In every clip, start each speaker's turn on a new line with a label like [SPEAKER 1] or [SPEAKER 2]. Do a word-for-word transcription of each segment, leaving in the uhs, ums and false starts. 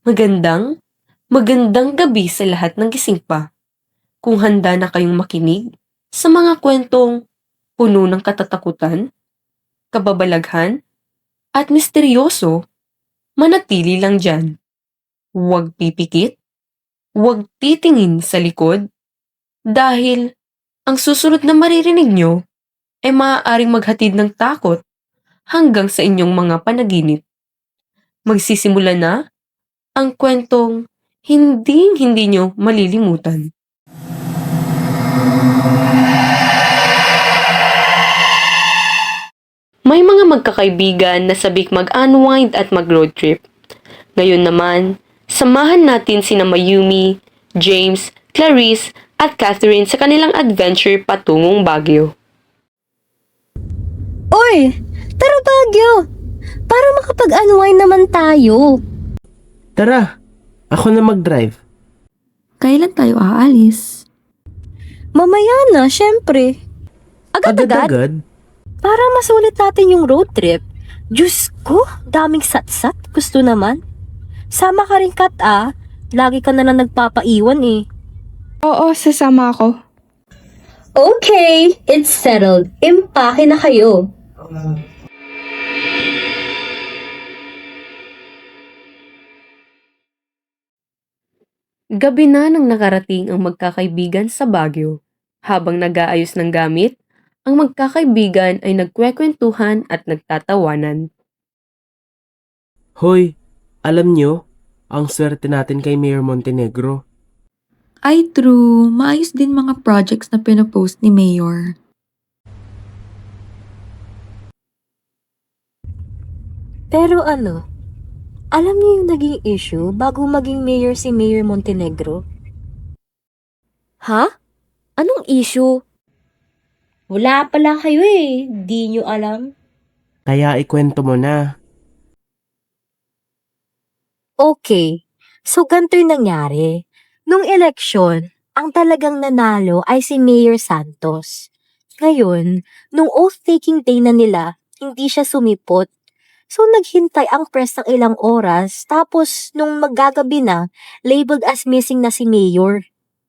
[SPEAKER 1] Magandang, magandang gabi sa lahat ng gising pa. Kung handa na kayong makinig sa mga kwentong puno ng katatakutan, kababalaghan, at misteryoso, manatili lang dyan. Huwag pipikit, huwag titingin sa likod, dahil ang susunod na maririnig nyo ay maaaring maghatid ng takot hanggang sa inyong mga panaginip. Magsisimula na ang kwentong hinding-hindi nyo malilimutan. May mga magkakaibigan na sabik mag-unwind at mag-road trip. Ngayon naman, samahan natin sina Mayumi, James, Clarice at Catherine sa kanilang adventure patungong Baguio.
[SPEAKER 2] Uy! Tara Baguio! Para makapag-unwind naman tayo.
[SPEAKER 3] Tara, ako na mag-drive.
[SPEAKER 4] Kailan tayo aalis?
[SPEAKER 2] Mamaya na, syempre. Agad-agad?
[SPEAKER 3] Agad-agad?
[SPEAKER 2] Para masulit natin yung road trip. Diyos ko, daming satsat. Gusto naman. Sama ka rin, Kat, ah. Lagi ka na lang nagpapaiwan eh.
[SPEAKER 4] Oo, sasama ako.
[SPEAKER 2] Okay, it's settled. Impake na kayo.
[SPEAKER 1] Gabi na nang nakarating ang magkakaibigan sa Baguio. Habang nag-aayos ng gamit, ang magkakaibigan ay nagkwekwentuhan at nagtatawanan.
[SPEAKER 3] Hoy, alam nyo, ang swerte natin kay Mayor Montenegro.
[SPEAKER 4] Ay true, maayos din mga projects na pinopost ni Mayor.
[SPEAKER 2] Pero ano, alam niyo yung naging issue bago maging mayor si Mayor Montenegro? Ha? Anong issue? Wala pala kayo eh. Di nyo alam.
[SPEAKER 3] Kaya ikwento mo na.
[SPEAKER 2] Okay. So, ganito yung nangyari. Nung eleksyon, ang talagang nanalo ay si Mayor Santos. Ngayon, nung oath-taking day na nila, hindi siya sumipot. So, naghintay ang press ng ilang oras, tapos nung maggagabi na, labeled as missing na si Mayor.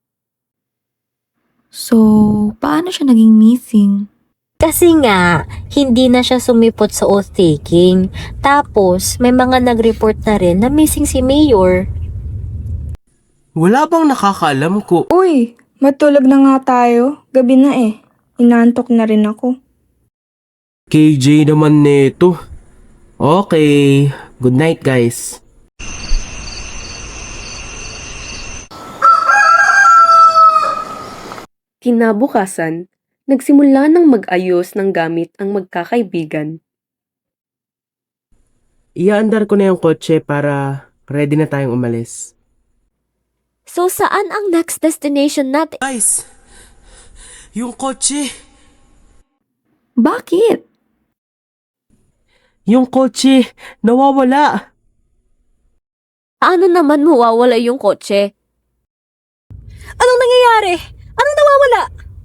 [SPEAKER 4] So, paano siya naging missing?
[SPEAKER 2] Kasi nga, hindi na siya sumipot sa oath-taking. Tapos, may mga nag-report na rin na missing si Mayor.
[SPEAKER 3] Wala bang nakakaalam ko?
[SPEAKER 5] Uy, matulog na nga tayo. Gabi na eh. Inaantok na rin ako.
[SPEAKER 3] K J naman neto. Okay, good night guys.
[SPEAKER 1] Kinabukasan, nagsimula ng mag-ayos ng gamit ang magkakaibigan.
[SPEAKER 3] Iaandar ko na yung kotse para ready na tayong umalis.
[SPEAKER 2] So, saan ang next destination natin?
[SPEAKER 3] Guys, yung kotse!
[SPEAKER 4] Bakit?
[SPEAKER 3] Yung kotse! Nawawala!
[SPEAKER 2] Ano naman mawawala yung kotse? Anong nangyayari? Anong nawawala?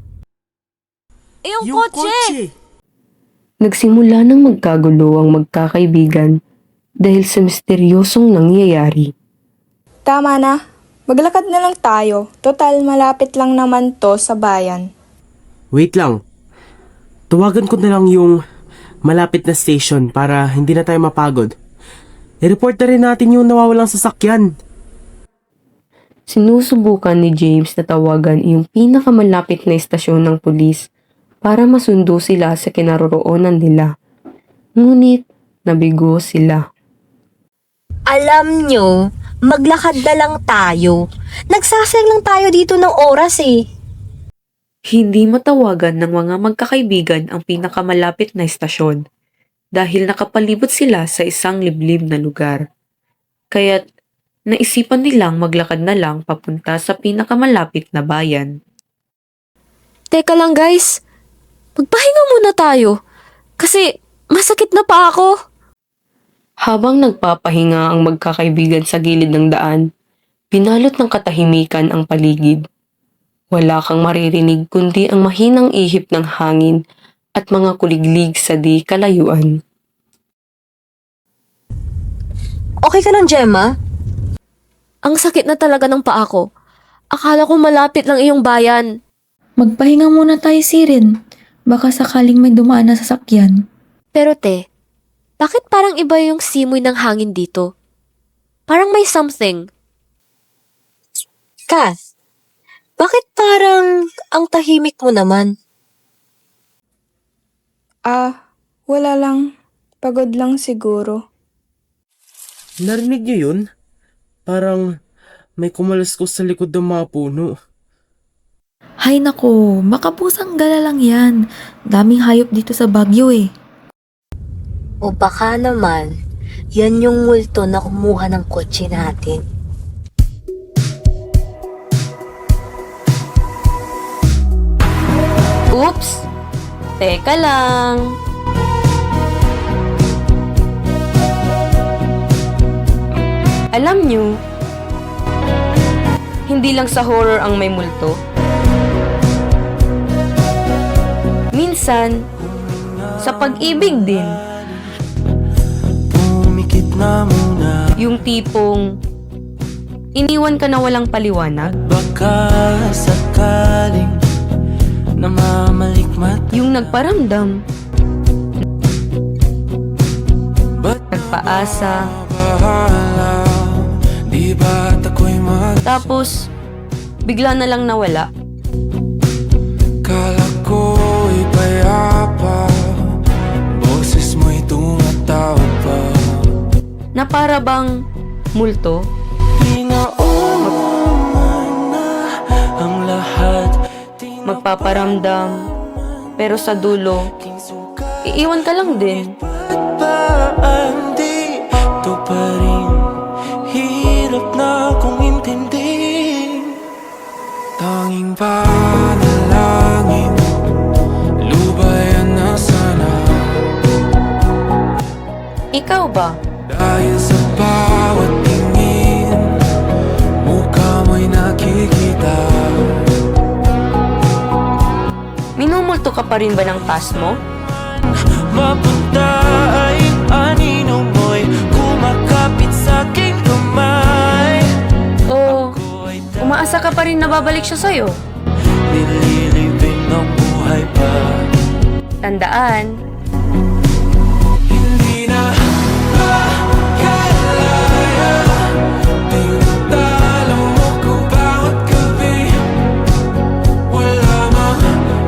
[SPEAKER 2] Yung, kotse!
[SPEAKER 1] Nagsimula ng magkagulo ang magkakaibigan dahil sa misteryosong nangyayari.
[SPEAKER 5] Tama na. Maglakad na lang tayo. Total, malapit lang naman to sa bayan.
[SPEAKER 3] Wait lang. Tawagan ko na lang yung malapit na station para hindi na tayo mapagod. I-report na rin natin yung nawawalang sasakyan.
[SPEAKER 1] Sinusubukan ni James na tawagan yung pinakamalapit na istasyon ng pulis para masundo sila sa kinaroroonan nila. Ngunit nabigo sila.
[SPEAKER 2] Alam nyo, maglakad na lang tayo. Nagsasayang lang tayo dito ng oras eh.
[SPEAKER 1] Hindi matawagan ng mga magkakaibigan ang pinakamalapit na istasyon dahil nakapalibot sila sa isang liblib na lugar. Kaya't naisipan nilang maglakad na lang papunta sa pinakamalapit na bayan.
[SPEAKER 2] Teka lang guys, magpahinga muna tayo. Kasi masakit na pa ako.
[SPEAKER 1] Habang nagpapahinga ang magkakaibigan sa gilid ng daan, pinalot ng katahimikan ang paligid. Wala kang maririnig kundi ang mahinang ihip ng hangin at mga kuliglig sa di kalayuan.
[SPEAKER 2] Okay ka lang, Gemma?
[SPEAKER 6] Ang sakit na talaga ng paa ko. Akala ko malapit lang iyong bayan.
[SPEAKER 4] Magpahinga muna tayo, Sirin. Baka sakaling may dumaan na sasakyan.
[SPEAKER 6] Pero te, bakit parang iba yung simoy ng hangin dito? Parang may something.
[SPEAKER 2] Kath, bakit parang ang tahimik mo naman?
[SPEAKER 5] Ah, wala lang. Pagod lang siguro.
[SPEAKER 3] Narinig niyo yun? Parang may kumaluskos sa likod ng mga puno.
[SPEAKER 4] Hay nako, makapusang gala lang yan. Daming hayop dito sa Baguio eh.
[SPEAKER 2] O baka naman, yan yung multo na kumuha ng kotse natin.
[SPEAKER 1] Oops! Teka lang. Alam nyo, hindi lang sa horror ang may multo. Minsan, sa pag-ibig din.
[SPEAKER 7] Pumikit na muna.
[SPEAKER 1] Yung tipong iniwan ka na walang paliwanag.
[SPEAKER 7] Baka sakaling namamalikmat.
[SPEAKER 1] Yung nagparamdam,
[SPEAKER 7] Ba't
[SPEAKER 1] nagpaasa,
[SPEAKER 7] bahala? Di ba't ako'y mag...
[SPEAKER 1] tapos bigla na lang nawala.
[SPEAKER 7] Kala ko'y payapa. Boses mo'y tumatawag pa.
[SPEAKER 1] Na para bang multo.
[SPEAKER 7] Pinauman na ang lahat.
[SPEAKER 1] Magpaparamdam, pero sa dulo, iiwan ka lang din.
[SPEAKER 7] Ba't di ito pa rin? Hirap na kong intindihin. Tanging panalangin, lubayan na sana.
[SPEAKER 1] Ikaw ba?
[SPEAKER 7] Dahil sa bawat tingin, mukha mo'y nakikita.
[SPEAKER 1] Minumulto ka pa rin ba ng past mo?
[SPEAKER 7] Mapunta ay anino mo'y kumakapit sa aking kamay.
[SPEAKER 1] O umaasa ka pa rin na babalik siya sa'yo?
[SPEAKER 7] Nililibing ang buhay pa.
[SPEAKER 1] Tandaan,
[SPEAKER 7] Hindi na makalaya. Tinutalo mo ko bawat gabi. Wala mang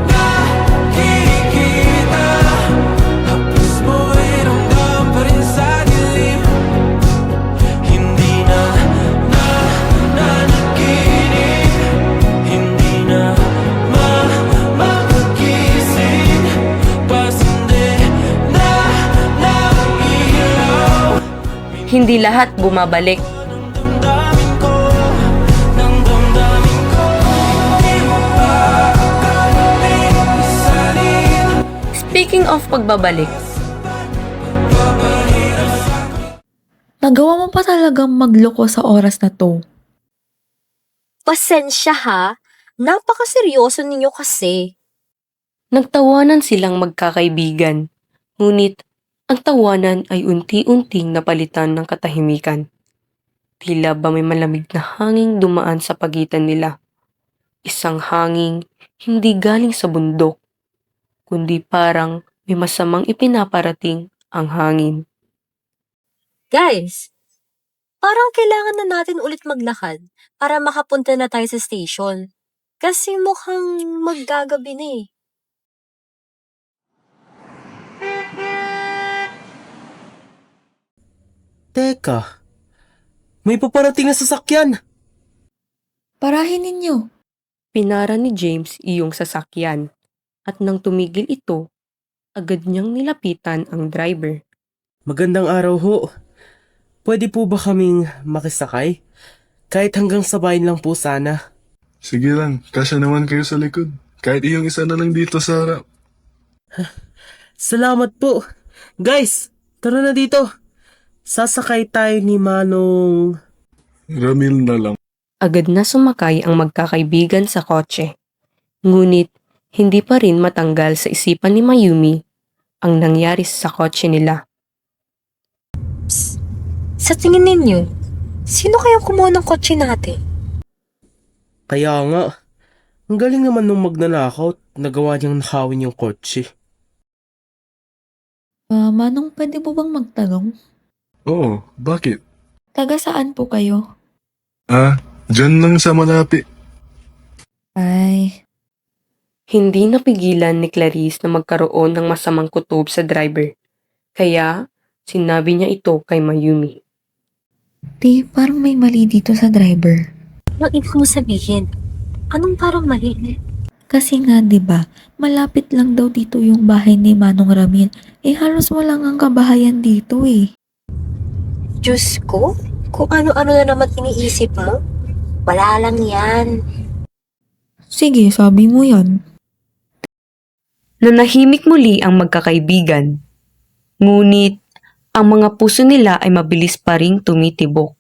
[SPEAKER 7] nakikita. Hapos mo'y ramdam pa rin sa dilim. Hindi na na nanaginip. Hindi na ma makagising. Pasindi na ng ilaw.
[SPEAKER 1] hindi lahat bumabalik.
[SPEAKER 7] Damdamin ko, ng damdamin ko. Di mo pa akalain isalin.
[SPEAKER 1] Speaking of pagbabalik,
[SPEAKER 4] Nagawa mo pa talagang magloko sa oras na to.
[SPEAKER 2] Pasensya ha, napakaseryoso ninyo kasi.
[SPEAKER 1] nagtawanan silang magkakaibigan. Ngunit, ang tawanan ay unti-unting napalitan ng katahimikan. Tila ba may malamig na hanging dumaan sa pagitan nila. Isang hanging hindi galing sa bundok, kundi parang may masamang ipinaparating ang hangin.
[SPEAKER 2] Guys, parang kailangan na natin ulit maglakad para makapunta na tayo sa station. Kasi mukhang maggagabi na eh.
[SPEAKER 3] Teka, may paparating na sasakyan.
[SPEAKER 4] Parahin ninyo.
[SPEAKER 1] Pinara ni James iyong sasakyan at nang tumigil ito, agad niyang nilapitan ang driver.
[SPEAKER 3] Magandang araw ho. Pwede po ba kaming makisakay? Kahit hanggang sabayin lang po sana.
[SPEAKER 8] Sige lang, kasya naman kayo sa likod. Kahit iyong isa na lang dito sa harap.
[SPEAKER 3] Salamat po. Guys, tara na dito. Sasakay tayo ni Manong...
[SPEAKER 8] Ramil na lang.
[SPEAKER 1] Agad na sumakay ang magkakaibigan sa kotse. Ngunit, hindi pa rin matanggal sa isipan ni Mayumi ang nangyari sa kotse nila.
[SPEAKER 2] Sa tingin ninyo, Sino kayang kumuha ng kotse natin?
[SPEAKER 3] Kaya nga, ang galing naman nung magnanakaw at nagawa niyang nakawin yung kotse.
[SPEAKER 4] Ah, Manong, pwede mo bang magtanong?
[SPEAKER 8] Oo, bakit?
[SPEAKER 4] Taga saan po kayo?
[SPEAKER 8] Ah, dyan lang sa malapit.
[SPEAKER 4] Ay,
[SPEAKER 1] Hindi napigilan ni Clarice na magkaroon ng masamang kutob sa driver. Kaya, sinabi niya ito kay Mayumi.
[SPEAKER 4] di parang may mali dito sa driver.
[SPEAKER 2] Anong ibig mo sabihin? Anong parang mali?
[SPEAKER 4] Kasi nga 'di ba, malapit lang daw dito yung bahay ni Manong Ramil. Eh halos wala ang kabahayan dito eh.
[SPEAKER 2] Diyos ko, kung ano-ano na naman iniisip mo. Wala lang yan.
[SPEAKER 4] Sige, sabi mo 'yan.
[SPEAKER 1] Nanahimik muli ang magkakaibigan. Ngunit, ang mga puso nila ay mabilis pa ring tumitibok.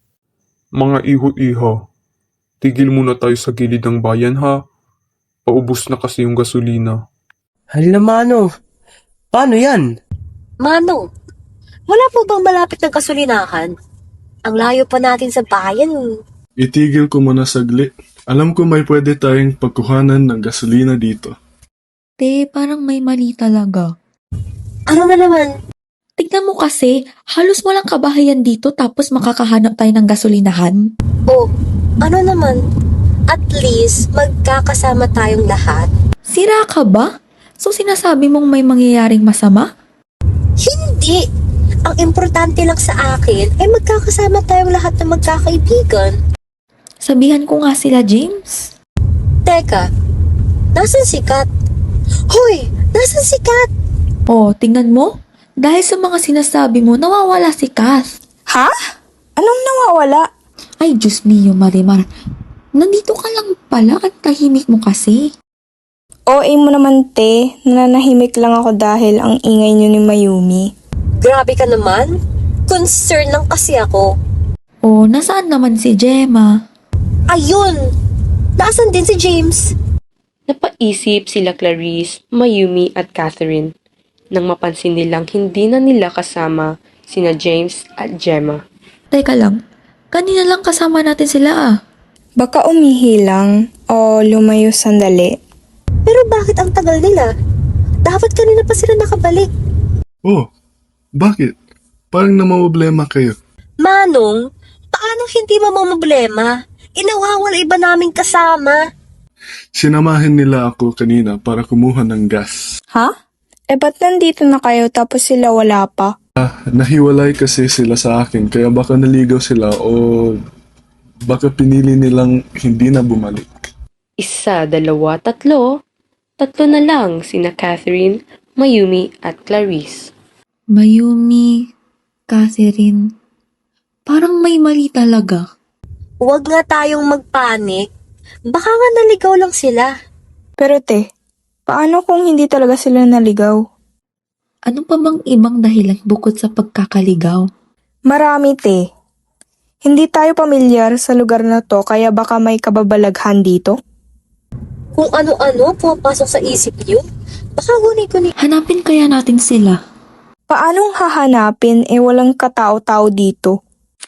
[SPEAKER 9] Mga iho-iho, tigil muna tayo sa gilid ng bayan ha. Paubos na kasi yung gasolina.
[SPEAKER 3] Hala Manong, paano yan?
[SPEAKER 2] Manong, wala po bang malapit ng kasulinahan? Ang layo pa natin sa bayan.
[SPEAKER 8] Itigil ko muna saglit. Alam ko may pwede tayong pagkuhanan ng gasolina dito.
[SPEAKER 4] Te, parang may mali talaga.
[SPEAKER 2] Ano na naman?
[SPEAKER 4] Tignan mo kasi, halos walang kabahayan dito tapos makakahanap tayo ng gasolinahan.
[SPEAKER 2] Oh, ano naman? At least, magkakasama tayong lahat.
[SPEAKER 4] Sira ka ba? So sinasabi mong may mangyayaring masama?
[SPEAKER 2] Hindi! Ang importante lang sa akin ay magkakasama tayong lahat ng magkakaibigan.
[SPEAKER 4] Sabihan ko nga sila, James.
[SPEAKER 2] Teka, nasan si Kat? Hoy! Nasan si Kat?
[SPEAKER 4] Oh, tingnan mo. Dahil sa mga sinasabi mo, nawawala si Kath.
[SPEAKER 5] Ha? Anong nawawala?
[SPEAKER 4] Ay, Diyos mio, Marimar. Nandito ka lang pala at tahimik mo kasi.
[SPEAKER 5] O A mo naman te, nananahimik lang ako dahil ang ingay niyo ni Mayumi.
[SPEAKER 2] Grabe ka naman. Concern lang kasi ako.
[SPEAKER 4] Oh, nasaan naman si Gemma?
[SPEAKER 2] Ayun! Nasaan din si James?
[SPEAKER 1] Napaisip sila Clarice, Mayumi at Catherine nang mapansin nilang hindi na nila kasama sina James at Gemma.
[SPEAKER 4] Teka lang, kanina lang kasama natin sila ah.
[SPEAKER 5] Baka umihi lang o lumayo sandali.
[SPEAKER 2] Pero bakit ang tagal nila? Dapat kanina pa sila nakabalik.
[SPEAKER 8] Oh, bakit? Parang namamblema kayo.
[SPEAKER 2] Manong, paano hindi mamamblema? Inawawala iba naming kasama.
[SPEAKER 8] Sinamahin nila ako kanina para kumuha ng gas.
[SPEAKER 5] Ha? Eh ba't nandito na kayo tapos sila wala pa?
[SPEAKER 8] Nahiwalay kasi sila sa akin kaya baka naligaw sila o baka pinili nilang hindi na bumalik.
[SPEAKER 1] Isa, dalawa, tatlo. Tatlo na lang sina Catherine, Mayumi at Clarice.
[SPEAKER 4] Mayumi, Catherine. Parang may mali talaga.
[SPEAKER 2] Huwag nga tayong magpanik. Baka nga naligaw lang sila.
[SPEAKER 5] Pero te, paano kung hindi talaga sila naligaw?
[SPEAKER 4] Ano pa bang ibang dahilan bukod sa pagkakaligaw?
[SPEAKER 5] Marami te. Hindi tayo pamilyar sa lugar na to kaya baka may kababalaghan dito.
[SPEAKER 2] Kung ano-ano pumapasok sa isip niyo, baka guni-guni.
[SPEAKER 4] Hanapin kaya natin sila.
[SPEAKER 5] Paanong hahanapin eh walang katao-tao dito?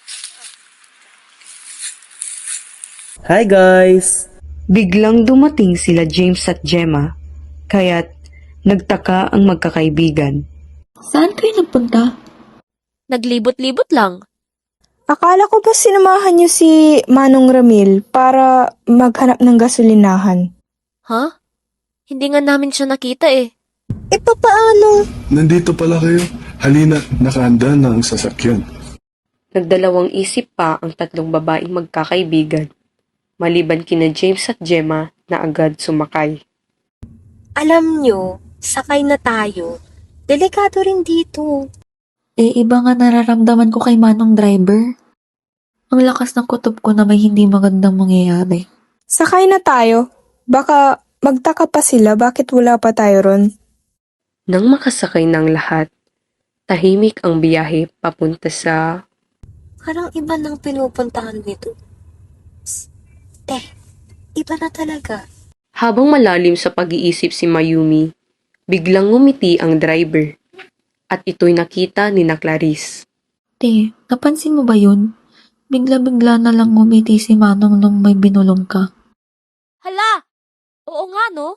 [SPEAKER 3] Hi guys!
[SPEAKER 1] Biglang dumating sila James at Gemma, kaya't nagtaka ang magkakaibigan.
[SPEAKER 4] Saan kayo nagpunta?
[SPEAKER 6] Naglibot-libot lang.
[SPEAKER 5] Akala ko ba sinamahan niyo si Manong Ramil para maghanap ng gasolinahan?
[SPEAKER 6] Ha? Hindi nga namin siya nakita eh.
[SPEAKER 2] E papaano?
[SPEAKER 8] Nandito pala kayo. Halina, nakahanda na ang sasakyan.
[SPEAKER 1] Nagdalawang isip pa ang tatlong babaeng magkakaibigan, maliban kina James at Gemma na agad sumakay.
[SPEAKER 2] Alam nyo, sakay na tayo. Delikado rin dito.
[SPEAKER 4] Eh, iba nga nararamdaman ko kay Manong driver. Ang lakas ng kutob ko na may hindi magandang mangyayari.
[SPEAKER 5] Sakay na tayo. Baka magtaka pa sila bakit wala pa tayo ron.
[SPEAKER 1] Nang makasakay ng lahat, tahimik ang biyahe papunta sa...
[SPEAKER 2] Parang iba nang pinupuntahan nito. Psst. Eh, iba na talaga.
[SPEAKER 1] Habang malalim sa pag-iisip si Mayumi, biglang ngumiti ang driver. At ito'y nakita ni na Clarice.
[SPEAKER 4] Te, napansin mo ba yun? Bigla-bigla na lang ngumiti si Manong nung may binulong ka.
[SPEAKER 6] Hala! Oo nga, no?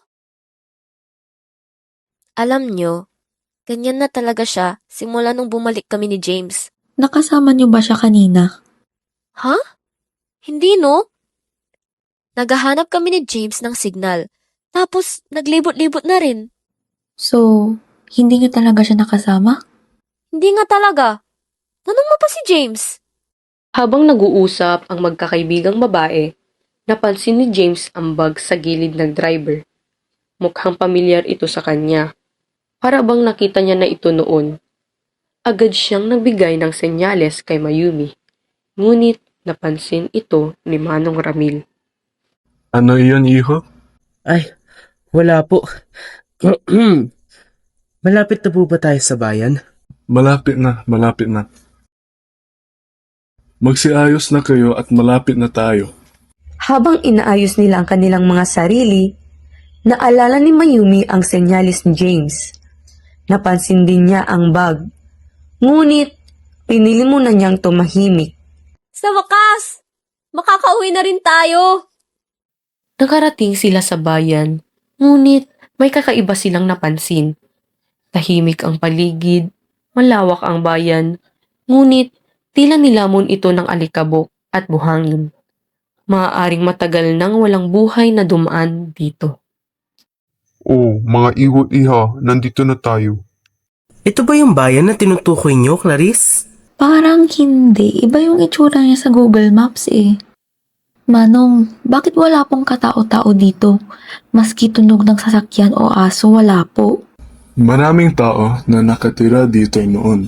[SPEAKER 6] Alam nyo, ganyan na talaga siya simula nung bumalik kami ni James.
[SPEAKER 4] Nakasama niyo ba siya kanina?
[SPEAKER 6] Ha? Hindi, no? Naghahanap kami ni James ng signal. Tapos, naglibot-libot na rin.
[SPEAKER 4] So, hindi niyo talaga siya nakasama?
[SPEAKER 6] Hindi nga talaga. Tanong mo pa si James.
[SPEAKER 1] Habang nag-uusap ang magkakaibigang babae, napansin ni James ang bag sa gilid ng driver. Mukhang pamilyar ito sa kanya. Para bang nakita niya na ito noon. Agad siyang nagbigay ng senyales kay Mayumi. Ngunit napansin ito ni Manong Ramil.
[SPEAKER 8] Ano iyon, iho?
[SPEAKER 3] Ay, wala po. Malapit na po ba tayo sa bayan?
[SPEAKER 8] Malapit na, malapit na. Magsiayos na kayo at malapit na tayo.
[SPEAKER 1] Habang inaayos nila ang kanilang mga sarili, naalala ni Mayumi ang senyalis ni James. Napansin din niya ang bag. Ngunit, pinili muna niyang tumahimik.
[SPEAKER 6] Sa wakas! Makakauwi na rin tayo!
[SPEAKER 1] Nakarating sila sa bayan, ngunit may kakaiba silang napansin. Tahimik ang paligid, malawak ang bayan, ngunit tila nilamon ito ng alikabok at buhangin. Maaaring matagal nang walang buhay na dumaan dito.
[SPEAKER 9] Oh, mga iho at iha, nandito na tayo.
[SPEAKER 3] Ito ba yung bayan na tinutukoy niyo, Clarice?
[SPEAKER 4] Parang hindi. Iba yung itsura niya sa Google Maps eh. Manong, bakit wala pong katao-tao dito? Maski tunog ng sasakyan o aso, wala po.
[SPEAKER 8] Maraming tao na nakatira dito noon.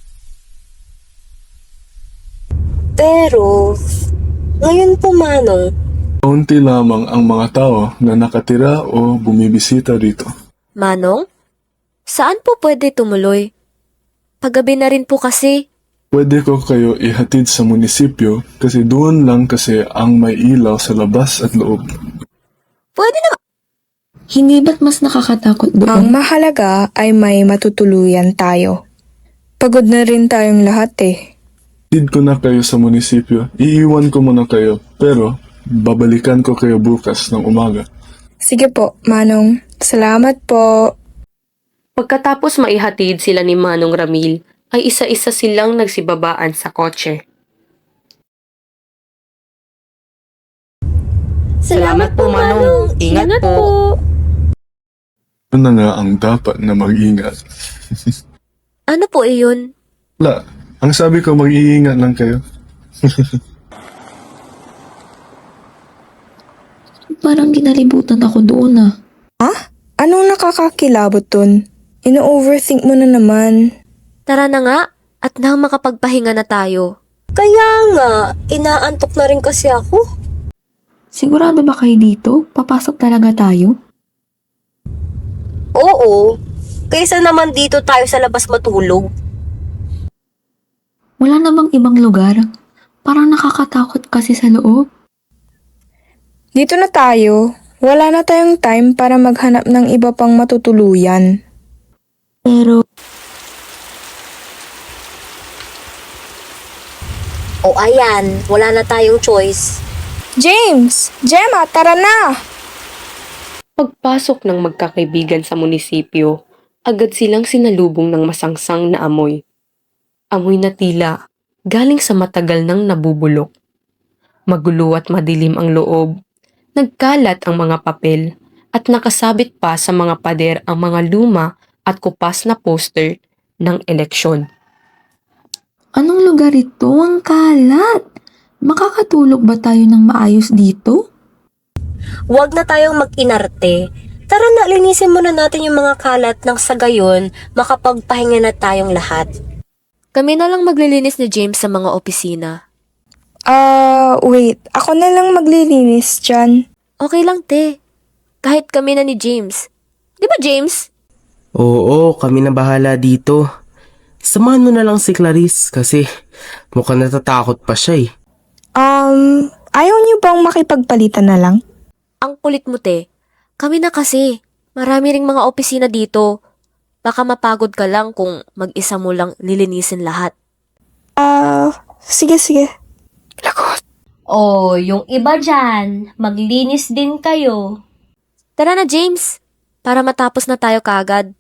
[SPEAKER 2] Pero, ngayon po Manong,
[SPEAKER 8] Kaunti lamang ang mga tao na nakatira o bumibisita rito.
[SPEAKER 6] Manong? Saan po pwede tumuloy? Paggabi na rin po kasi.
[SPEAKER 8] Pwede ko kayo ihatid sa munisipyo kasi doon lang kasi ang may ilaw sa labas at loob.
[SPEAKER 6] Pwede na.
[SPEAKER 4] Hindi ba't mas nakakatakot doon?
[SPEAKER 5] Ang mahalaga ay may matutuluyan tayo. Pagod na rin tayong lahat eh.
[SPEAKER 8] Hatid ko na kayo sa munisipyo. Iiwan ko muna kayo, pero babalikan ko kayo bukas ng umaga.
[SPEAKER 5] Sige po, Manong. Salamat po.
[SPEAKER 1] Pagkatapos maihatid sila ni Manong Ramil, ay isa-isa silang nagsibabaan sa kotse. Salamat po, Manong. Ingat po.
[SPEAKER 8] Ano na nga ang dapat na mag-ingat?
[SPEAKER 6] Ano po iyon?
[SPEAKER 8] Wala. Ang sabi ko, mag-iingat lang kayo.
[SPEAKER 4] Parang ginalibutan ako doon ah.
[SPEAKER 5] Ah? Anong nakakakilabot dun? Ino-overthink mo na naman.
[SPEAKER 6] Tara na nga at nang makapagpahinga na tayo.
[SPEAKER 2] kaya nga, inaantok na rin kasi ako.
[SPEAKER 4] Sigurado ba kayo dito? Papasok talaga tayo?
[SPEAKER 2] Oo, kaysa naman dito tayo sa labas matulog.
[SPEAKER 4] Wala namang ibang lugar. Parang nakakatakot kasi sa loob.
[SPEAKER 5] Dito na tayo. Wala na tayong time para maghanap ng iba pang matutuluyan.
[SPEAKER 4] Pero,
[SPEAKER 2] O ayan, wala na tayong choice.
[SPEAKER 5] James! Gemma, tara na!
[SPEAKER 1] Pagpasok ng magkakaibigan sa munisipyo, agad silang sinalubong ng masangsang na amoy. Amoy na tila galing sa matagal nang nabubulok. Magulo at madilim ang loob. Nagkalat ang mga papel at nakasabit pa sa mga pader ang mga luma at kupas na poster ng eleksyon.
[SPEAKER 4] anong lugar ito? Ang kalat! Makakatulog ba tayo ng maayos dito?
[SPEAKER 2] Huwag na tayong mag-inarte. Tara na, linisin muna natin yung mga kalat nang sa gayon, makapagpahinga na tayong lahat.
[SPEAKER 6] Kami na lang maglilinis ni James sa mga opisina.
[SPEAKER 5] Ah, wait. Ako na lang maglilinis dyan.
[SPEAKER 6] Okay lang, te. Kahit kami na ni James. Di ba, James?
[SPEAKER 3] Oo, kami na bahala dito. Samahan mo na lang si Clarice kasi mukhang natatakot pa siya eh.
[SPEAKER 5] Um, ayaw niyo bang makipagpalitan na lang?
[SPEAKER 6] Ang kulit mo, te. Kami na kasi. Marami ring mga opisina dito. Baka mapagod ka lang kung mag-isa mo lang lilinisin lahat.
[SPEAKER 5] Ah, sige sige.
[SPEAKER 2] O, yung iba dyan, maglinis din kayo.
[SPEAKER 6] Tara na, James. Para matapos na tayo kaagad.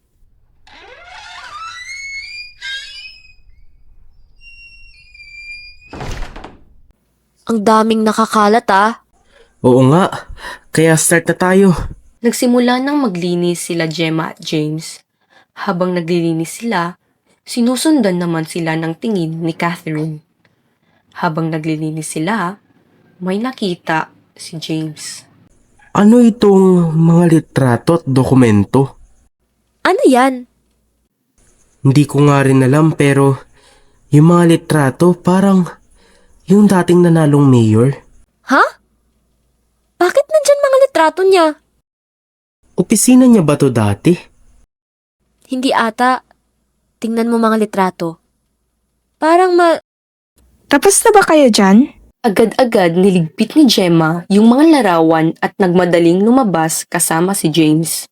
[SPEAKER 6] Ang daming nakakalat ah.
[SPEAKER 3] Oo nga, kaya start na tayo.
[SPEAKER 1] Nagsimula nang maglinis sila Gemma at James. Habang naglilinis sila, sinusundan naman sila ng tingin ni Catherine. Habang naglilinis sila, may nakita si James.
[SPEAKER 3] Ano itong mga litrato at dokumento?
[SPEAKER 6] Ano yan?
[SPEAKER 3] Hindi ko nga rin alam pero yung mga litrato parang yung dating nanalong mayor.
[SPEAKER 6] Ha? Bakit nandyan mga litrato niya?
[SPEAKER 3] Opisina niya ba to dati?
[SPEAKER 6] Hindi ata. Tingnan mo mga litrato. Parang ma...
[SPEAKER 5] Tapos na ba kayo dyan?
[SPEAKER 1] Agad-agad niligpit ni Gemma yung mga larawan at nagmadaling lumabas kasama si James.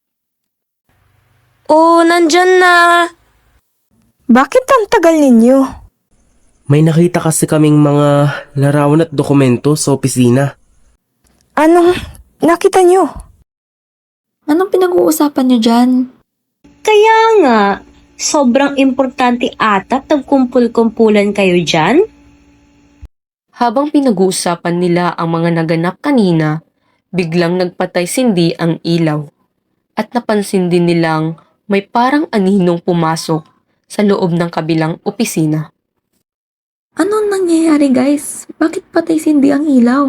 [SPEAKER 6] Oh, nandyan na.
[SPEAKER 5] Bakit ang tagal ninyo?
[SPEAKER 3] May nakita kasi kaming mga larawan at dokumento sa opisina.
[SPEAKER 5] Anong nakita nyo?
[SPEAKER 4] Anong pinag-uusapan niyo dyan?
[SPEAKER 2] Kaya nga, sobrang importante ata nagkumpul-kumpulan kayo dyan.
[SPEAKER 1] Habang pinag-uusapan nila ang mga naganap kanina, biglang nagpatay sindi ang ilaw. At napansin din nilang may parang aninong pumasok sa loob ng kabilang opisina.
[SPEAKER 4] Anong nangyayari guys? Bakit patay sindi ang ilaw?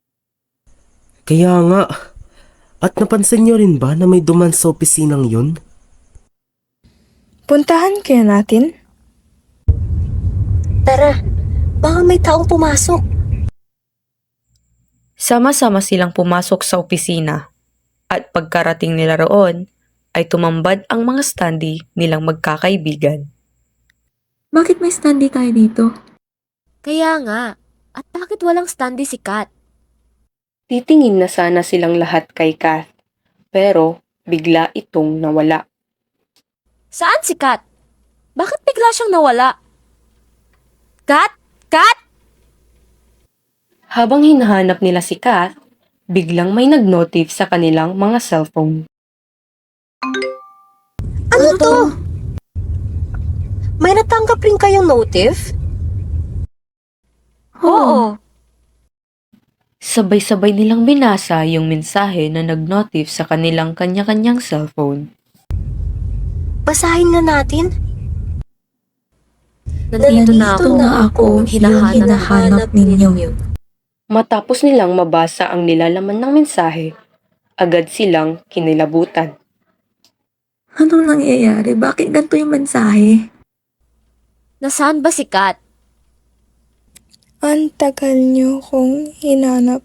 [SPEAKER 3] Kaya nga, at napansin niyo rin ba na may duman sa opisinang yun?
[SPEAKER 5] Puntahan kaya natin?
[SPEAKER 2] Tara, baka may taong pumasok.
[SPEAKER 1] Sama-sama silang pumasok sa opisina. At pagkarating nila roon, ay tumambad ang mga standee nilang magkakaibigan.
[SPEAKER 4] Bakit may standee tayo dito?
[SPEAKER 6] Kaya nga. At bakit walang standee si Kat?
[SPEAKER 1] Titingin na sana silang lahat kay Kath, pero bigla itong nawala.
[SPEAKER 6] Saan si Kat? Bakit bigla siyang nawala? Kat? Kat?
[SPEAKER 1] Habang hinahanap nila si Kath, biglang may nag-notif sa kanilang mga cellphone.
[SPEAKER 2] Ano to? May natanggap rin kayong notif?
[SPEAKER 6] Oo.
[SPEAKER 1] Sabay-sabay nilang binasa yung mensahe na nag-notif sa kanilang kanya-kanyang cellphone.
[SPEAKER 2] Basahin na natin.
[SPEAKER 6] Nandito na ako.
[SPEAKER 4] na ako,
[SPEAKER 6] Hinahanap-
[SPEAKER 4] yung hinahanap ninyo.
[SPEAKER 1] Matapos nilang mabasa ang nilalaman ng mensahe, agad silang kinilabutan.
[SPEAKER 4] Anong nangyayari? Bakit ganito yung mensahe?
[SPEAKER 6] Nasaan ba si Kat?
[SPEAKER 5] Ang tagal nyo kong hinanap.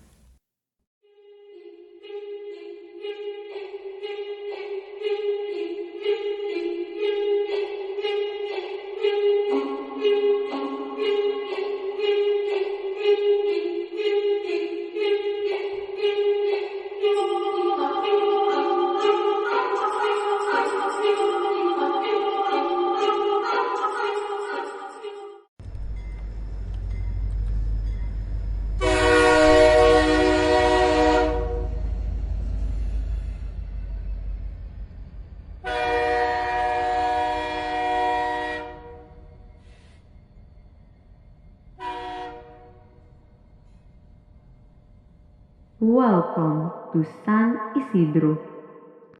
[SPEAKER 1] Welcome to San Isidro